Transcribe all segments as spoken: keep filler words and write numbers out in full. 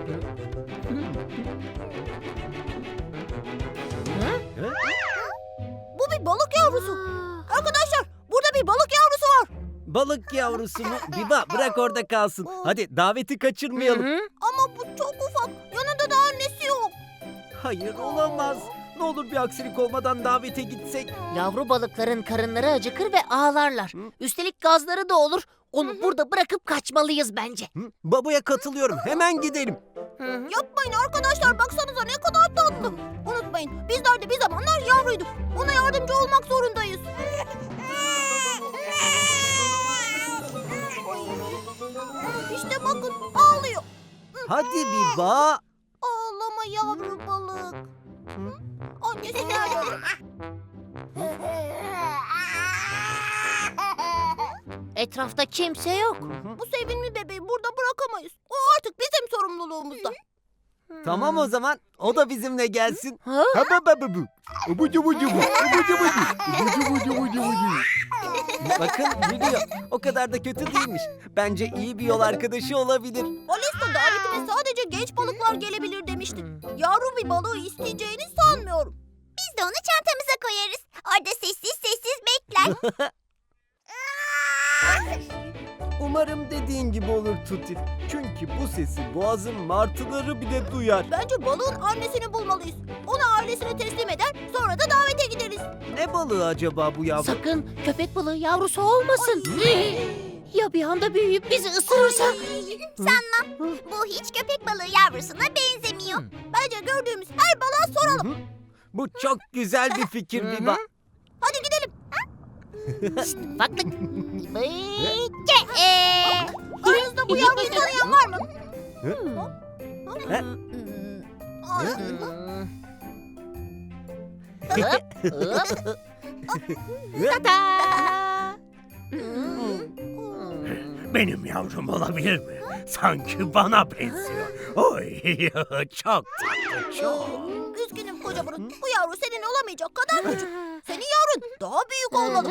Bu bir balık yavrusu. Arkadaşlar, burada bir balık yavrusu var. Balık yavrusu mu? Biba bırak orada kalsın. Hadi daveti kaçırmayalım. Ama bu çok ufak. Yanında da annesi yok. Hayır olamaz. Ne olur bir aksilik olmadan davete gitsek. Yavru balıkların karınları acıkır ve ağlarlar. Üstelik gazları da olur. Onu burada bırakıp kaçmalıyız bence. Hı? Babuya katılıyorum. Hemen gidelim. Yapmayın arkadaşlar, baksanıza ne kadar tatlı. Unutmayın, bizler de bir zamanlar yavruyduk. Ona yardımcı olmak zorundayız. İşte bakın, ağlıyor. Hadi Biba. Ağlama yavru balık. Annesi nerede? Etrafta kimse yok. Bu sevimli bebeği burada bırakamayız. O artık bizim sorumluluğumuzda. Tamam o zaman. O da bizimle gelsin. Ha? Habababu. Ubucu bucu bu. Ubucu bucu. Ubucu bucu bucu bucu. Bakın gülüyor. O kadar da kötü değilmiş. Bence iyi bir yol arkadaşı olabilir. Alesta davetine sadece genç balıklar gelebilir demiştik. Yavru bir balığı isteyeceğini sanmıyorum. Biz de onu çantamıza koyarız. Orada sessiz sessiz bekler. Umarım dediğin gibi olur Tuti. Çünkü bu sesi boğazın martıları bile duyar. Bence balığın annesini bulmalıyız. Onu ailesine teslim eder, sonra da davete gideriz. Ne balığı acaba bu yavru? Sakın köpek balığı yavrusu olmasın. Ya bir anda büyüyüp bizi ısırırsa? Sanmam. Bu hiç köpek balığı yavrusuna benzemiyor. Bence gördüğümüz her balığa soralım. Hı hı. Bu çok güzel bir fikir Biba. Hadi gidelim. Baklık. Aranızda bu yavruyu tanıyan var mı? He? Tata. Benim yavrum olabilir mi? Sanki bana benziyor. Oy, çok tatlı, çok. Üzgünüm koca burun. Bu yavru senin olamayacak kadar küçük. Senin yavrun daha büyük olmalı.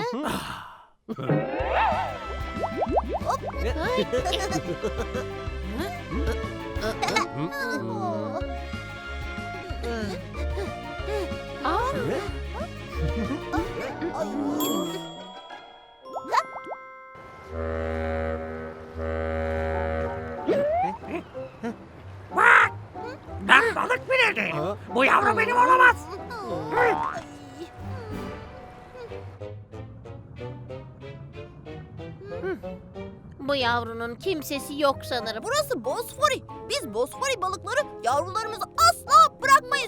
Ben balık bile değilim. Bu yavru benim olamaz. Bu yavrunun kimsesi yok sanırım. Burası Bosfori. Biz Bosfori balıkları yavrularımızı asla bırakmayız.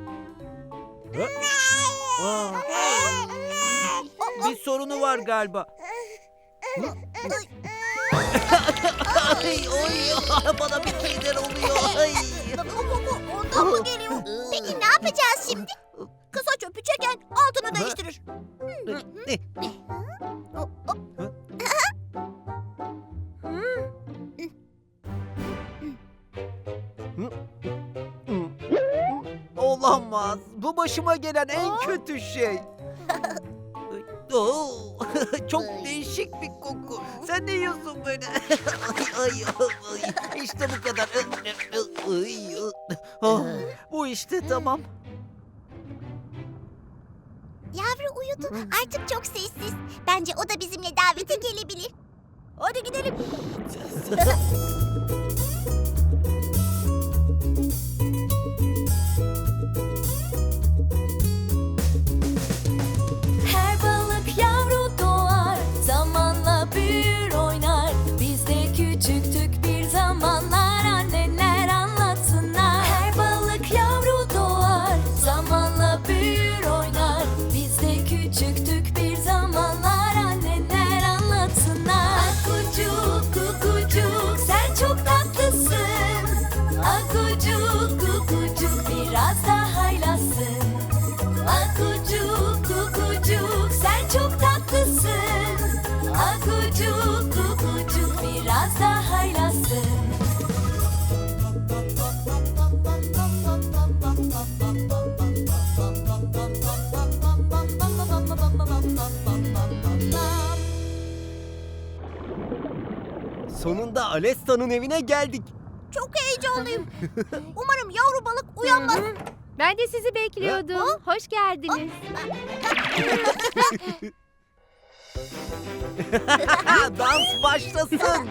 Aa, bir sorunu var galiba. Ay, oy, bana bir şeyler oluyor. Ay. Koku ondan mı geliyor? Peki ne yapacağız şimdi? Kısa çöpü çeken altını değiştirir. Olamaz. Bu başıma gelen en kötü şey. Oo, çok değişik bir koku. Sen ne yiyorsun böyle? ay, ay, ay. İşte bu kadar. Ay, oh, bu işte tamam. Yavru uyudu. Artık çok sessiz. Bence o da bizimle davete gelebilir. Hadi gidelim. Her balık yavru doğar, zamanla büyür oynar. Biz de küçüktük bir zamanlar, anneler anlatsınlar. Her balık yavru doğar, zamanla büyür oynar. Biz de küçüktük bir zamanlar, anneler anlatsınlar. Akucuk kukucuk sen çok tatlısın. Akucuk kukucuk biraz daha haylazsın. Akucuk kukucuk sen çok tatlısın. Akucuk kukucuk biraz daha haylazsın. Sonunda Alesta'nın evine geldik. Çok heyecanlıyım. heyecanlıyım. Umarım yavru balık uyanmaz. Ben de sizi bekliyordum. Hoş geldiniz. Dans başlasın.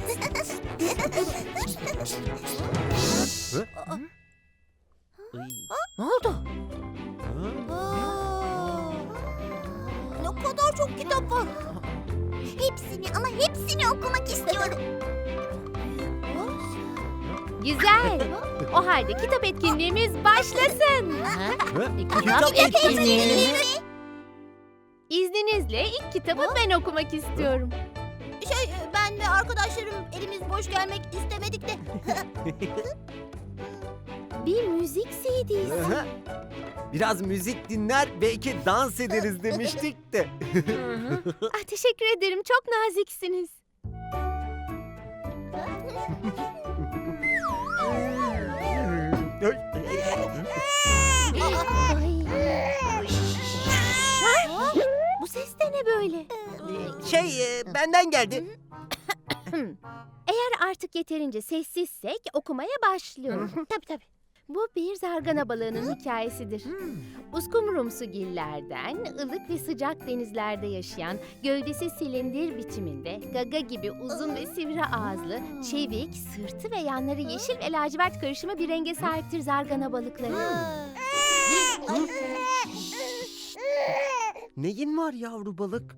Ne oldu? Aa, ne kadar çok kitap var. Hepsini ama hepsini okumak istiyorum. Güzel. O halde kitap etkinliğimiz başlasın. Ha? Kitap Kitap etkinliği mi? İzninizle ilk kitabı ben okumak istiyorum. Şey ben ve arkadaşlarım elimiz boş gelmek istemedik de. Bir müzik C D'si. Aha. Biraz müzik dinler belki dans ederiz demiştik de. Ah, teşekkür ederim. Çok naziksiniz. Bu ses de ne böyle? Şey e, benden geldi. Eğer artık yeterince sessizsek okumaya başlıyorum. Tabii tabii. Bu bir zargana balığının hikayesidir. Uskumrumsu gillerden, ılık ve sıcak denizlerde yaşayan, gövdesi silindir biçiminde, gaga gibi uzun ve sivri ağızlı, çevik, sırtı ve yanları yeşil ve lacivert karışımı bir renge sahiptir zargana balıkları. Neyin var yavru balık?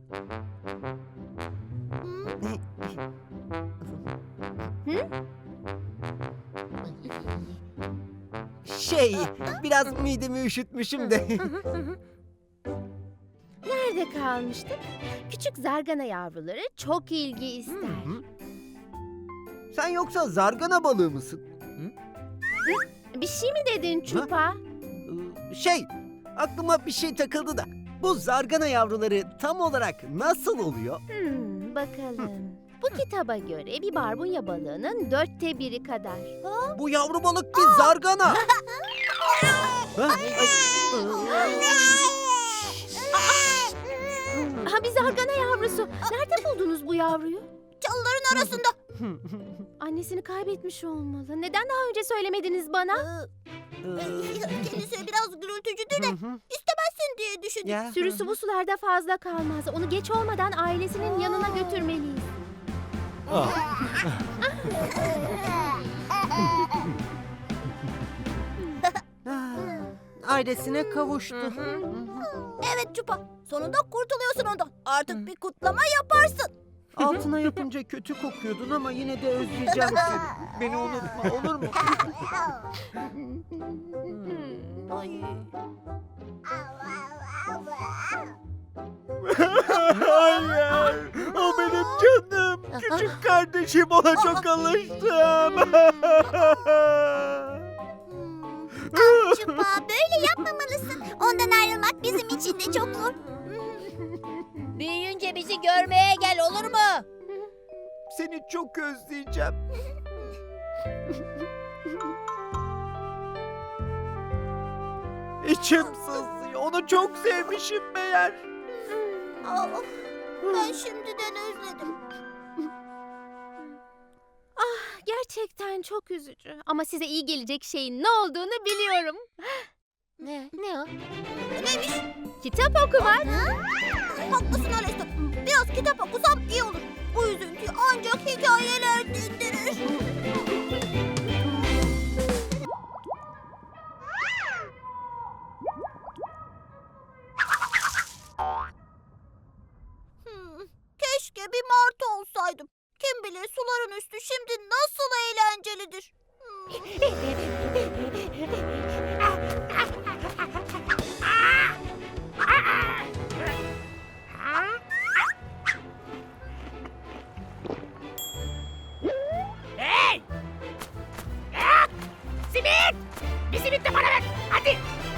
Şey, biraz midemi üşütmüşüm de. Nerede kalmıştık? Küçük zargana yavruları çok ilgi ister. Sen yoksa zargana balığı mısın? Bir şey mi dedin Çupa? Ee, Şey, aklıma bir şey takıldı da. Bu zargana yavruları tam olarak nasıl oluyor? Hmm, bakalım. Bu kitaba göre bir barbunya balığının dörtte biri kadar. Bu yavru balık bir zargana. Ha? Ay, Ha, bir zargana yavrusu. Nerede buldunuz bu yavruyu? Çalıların arasında. Annesini kaybetmiş olmalı. Neden daha önce söylemediniz bana? Ee, Kendisi biraz gürültücüdür de hı hı. istemezsin diye düşündüm. Ya. Sürüsü bu sularda fazla kalmaz. Onu geç olmadan ailesinin yanına götürmeliyiz. Ailesine kavuştu. Evet Çupa, sonunda kurtuluyorsun ondan. Artık bir kutlama yaparsın. Altına yapınca kötü kokuyordun ama yine de özleyeceğim seni. Beni unutma olur mu? Ay. Hayır, o benim canım. Küçük kardeşim, ona çok alıştım. Çupa böyle yapmamalısın. Ondan ayrılmak bizim için de çok zor. Büyüyünce bizi görmeye gel olur mu? Seni çok özleyeceğim. İçim sızlıyor. Onu çok sevmişim meğer. Aa, ben şimdiden özledim. Gerçekten çok üzücü. Ama size iyi gelecek şeyin ne olduğunu biliyorum. Ne? Ne o? Neymiş? Kitap okumak. Haklısın Alesta. Biraz kitap okusam iyi olur. Bu üzüntüyü ancak hikayeler dindirir. Hmm, keşke bir martı olsaydım. Kim bilir suların üstü şimdi nasıl eğlencelidir. Hmm. Hey! Ah! Simit! Bir simit de bana ver. Hadi.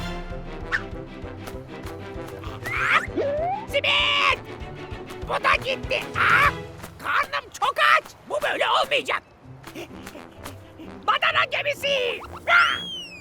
Ah! Simit! Bu da gitti. Ah! Karnım çok aç. Bu böyle olmayacak. Badana gemisi. Ah!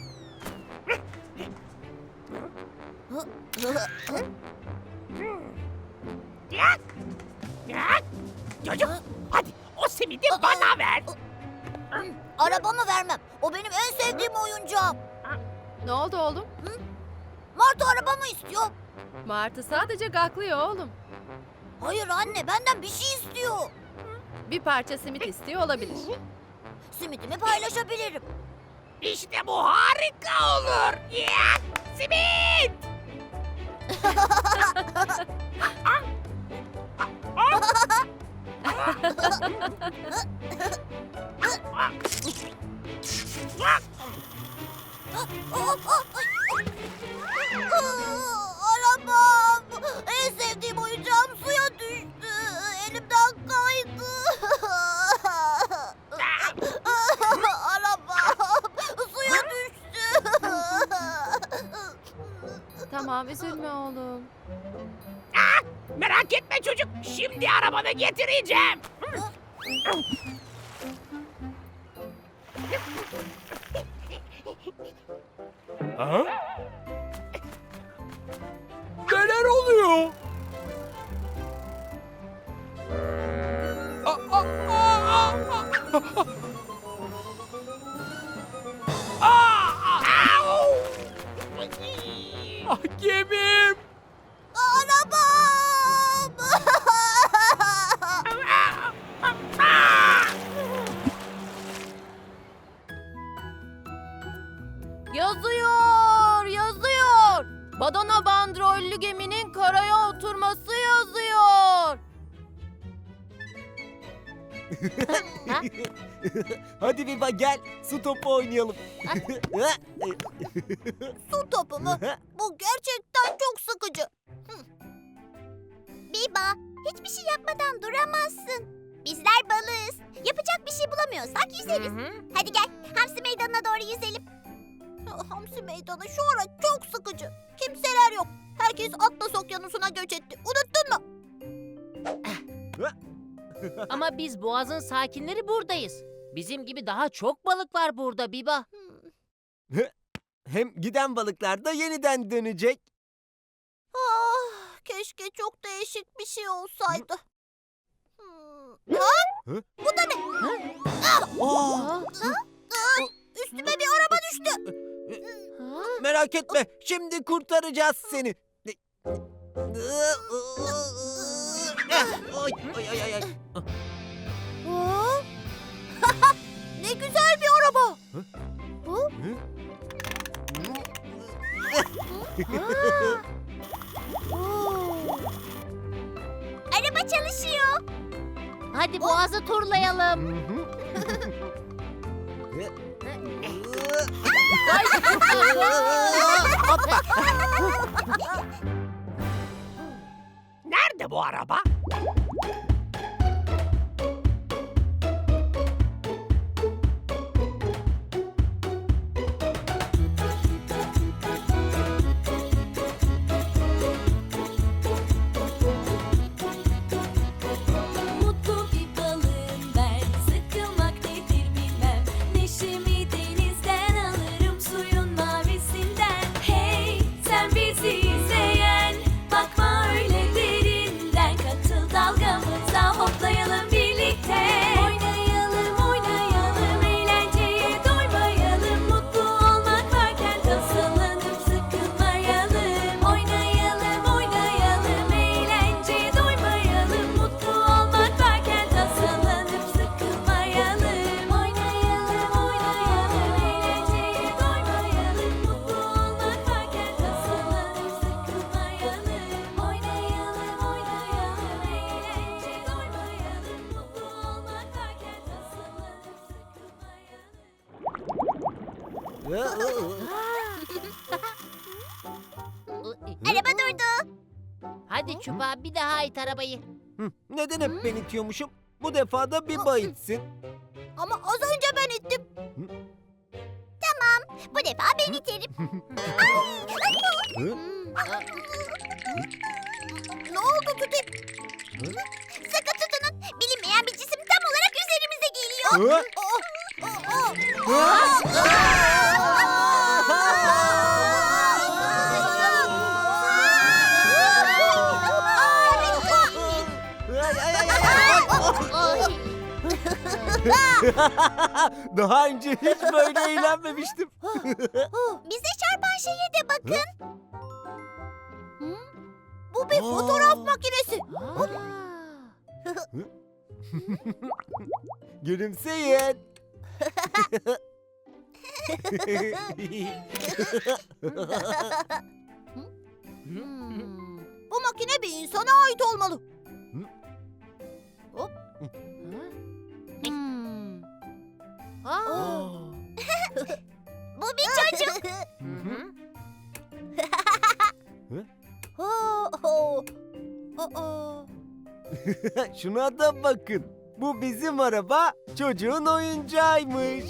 Yak! Yak! Çocuk, hadi o simidi bana ver. Arabamı vermem. O benim en sevdiğim oyuncağım. Ne oldu oğlum? Martı arabamı istiyor. Martı sadece gaklıyor oğlum. Hayır anne, benden bir şey istiyor. Bir parça simit istiyor olabilir. Simitimi paylaşabilirim. İşte bu harika olur. Ya, simit! Arabam! En sevdiğim oyuncağım suya düştü. Elimden kaydı. Arabam suya düştü. Tamam, üzülme oğlum. Merak etme çocuk. Şimdi arabanı getireceğim. Neler oluyor? Ah, gemim. Arabam! Yazıyor, yazıyor. Badana bandrollü geminin karaya oturması yazıyor. Hadi Biba gel, su topu oynayalım. Su topu mu? Bu gerçekten çok sıkıcı. Biba, hiçbir şey yapmadan duramazsın. Bizler balığız. Yapacak bir şey bulamıyorsak yüzeriz. Hadi gel, hamsi meydanına doğru yüzelim. Hamsi meydanı şu ara çok sıkıcı. Kimseler yok. Herkes Atlas Okyanusu'na göç etti. Unuttun mu? Ama biz boğazın sakinleri buradayız. Bizim gibi daha çok balık var burada Biba. Hem giden balıklar da yeniden dönecek. Ah, keşke çok değişik bir şey olsaydı. Hmm. Ha? Hı? Bu da ne? Aa, Üstüme bir araba düştü. merak etme, şimdi kurtaracağız seni. Ay, ay, ay, ay, ay. Aa! Ne güzel bir araba. Bu? Araba çalışıyor. Hadi boğazı turlayalım. Nerede bu araba? Mutlu bir balığım ben, sıkılmak nedir bilmem. Neşemi denizden alırım, suyun mavisinden. Hey sen bizi izleyen, bakma öyle derinden. Katıl dalgamıza, hoplayalım birlikte. Oynayalım oynayalım, eğlenceye doymayalım. Mutlu olmak varken tasalanıp sıkılmayalım. Oynayalım oynayalım, eğlenceye doymayalım. Mutlu olmak varken tasalanıp sıkılmayalım. Oynayalım oynayalım, eğlenceye doymayalım. Mutlu olmak varken tasalanıp sıkılmayalım. Oynayalım oynayalım, eğlenceye doymayalım. Mutlu olmak varken tasalanıp sıkılmayalım. Araba durdu. Hadi Çupa bir daha it arabayı. Hı, Neden hep ben itiyormuşum? Bu defa da Biba itsin. Ama az önce ben ittim. Bu defa ben iterim. Hı? Ne oldu Tuti? Sıkı tutunun. Bilinmeyen bir cisim tam olarak üzerimize geliyor. Hı? Aa, aa, aa. Ay, ay, ay, ay, ay. Ay. Daha önce hiç böyle eğlenmemiştim. Bize çarpan şeye de bakın. Bu bir fotoğraf makinesi. Gülümseyin. Bu makine bir insana ait olmalı. Hop. Hmm. Aa. Bu bir çocuk. Oh, oh. Aa. Şuna da bakın. Bu bizim araba, çocuğun oyuncağıymış.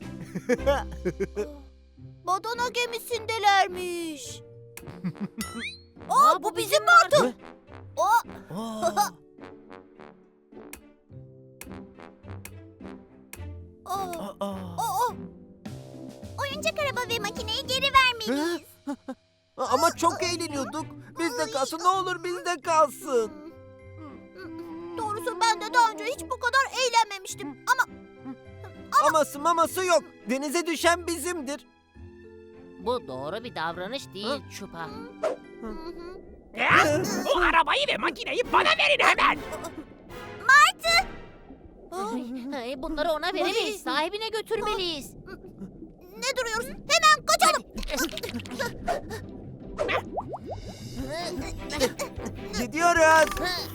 Badana gemisindelermiş. Aa, bu bizim Martı. Aa, Aa, aa, aa. aa. Oyuncak araba ve makineyi geri vermeliyiz. Ama çok eğleniyorduk. Bizde kalsın, ne olur bizde kalsın. Doğrusu ben de daha önce hiç bu kadar eğlenmemiştim. Ama Aması maması yok. Denize düşen bizimdir. Bu doğru bir davranış değil Çupa. Ya, bu arabayı ve makineyi bana verin hemen. Ay, bunları ona veremeyiz. Sahibine götürmeliyiz. ne duruyoruz? Hemen kaçalım. Gidiyoruz.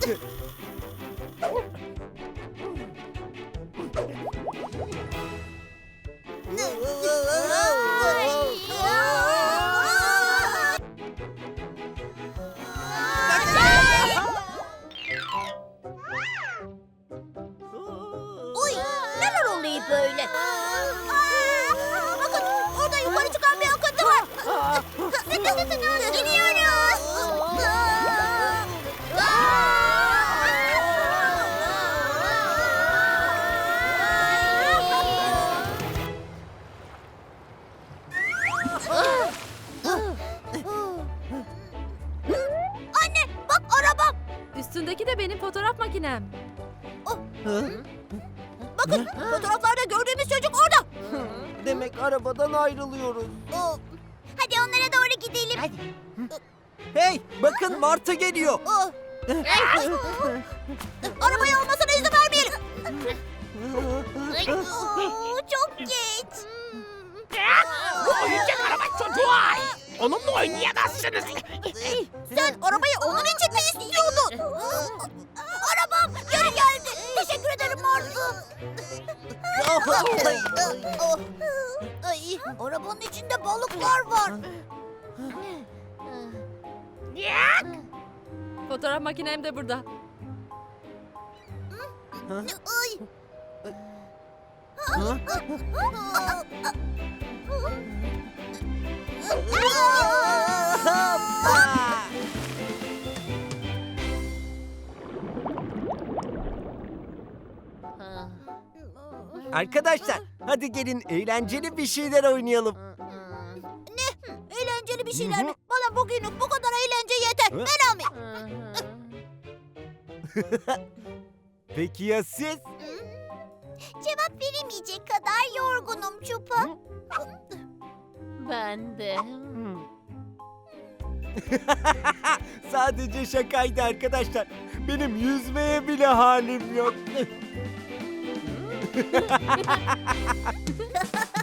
Uy, neler oluyor böyle? Bakın, orada yukarı çıkan bir akıntı var. Gidiyoruz. Anne, bak arabam. Üstündeki de benim fotoğraf makinem. Bakın, fotoğraflarda gördüğümüz çocuk orada. Demek arabadan ayrılıyoruz. Aa, Hadi onlara doğru gidelim. Hadi. Hey, bakın Martı geliyor. aa. Arabayı almasına izin vermeyelim. Oo, çok geç. Ya, bu oyuncak araba çocuğa ait. Onunla oynayamazsınız. Sen arabayı onun için mi istiyordun? Arabam geri geldi. Teşekkür ederim Martı. Ay, arabanın içinde balıklar var. Ya, Fotoğraf makinem de burada. Ay. Ah. Arkadaşlar, hadi gelin eğlenceli bir şeyler oynayalım. Eğlenceli bir Hı şeyler hı. mi? Bana bugünlük bu kadar eğlence yeter. Hı? Ben almayayım. Peki ya siz? Cevap veremeyecek kadar yorgunum Çupa. Ben de. Sadece şakaydı arkadaşlar. Benim yüzmeye bile halim yok.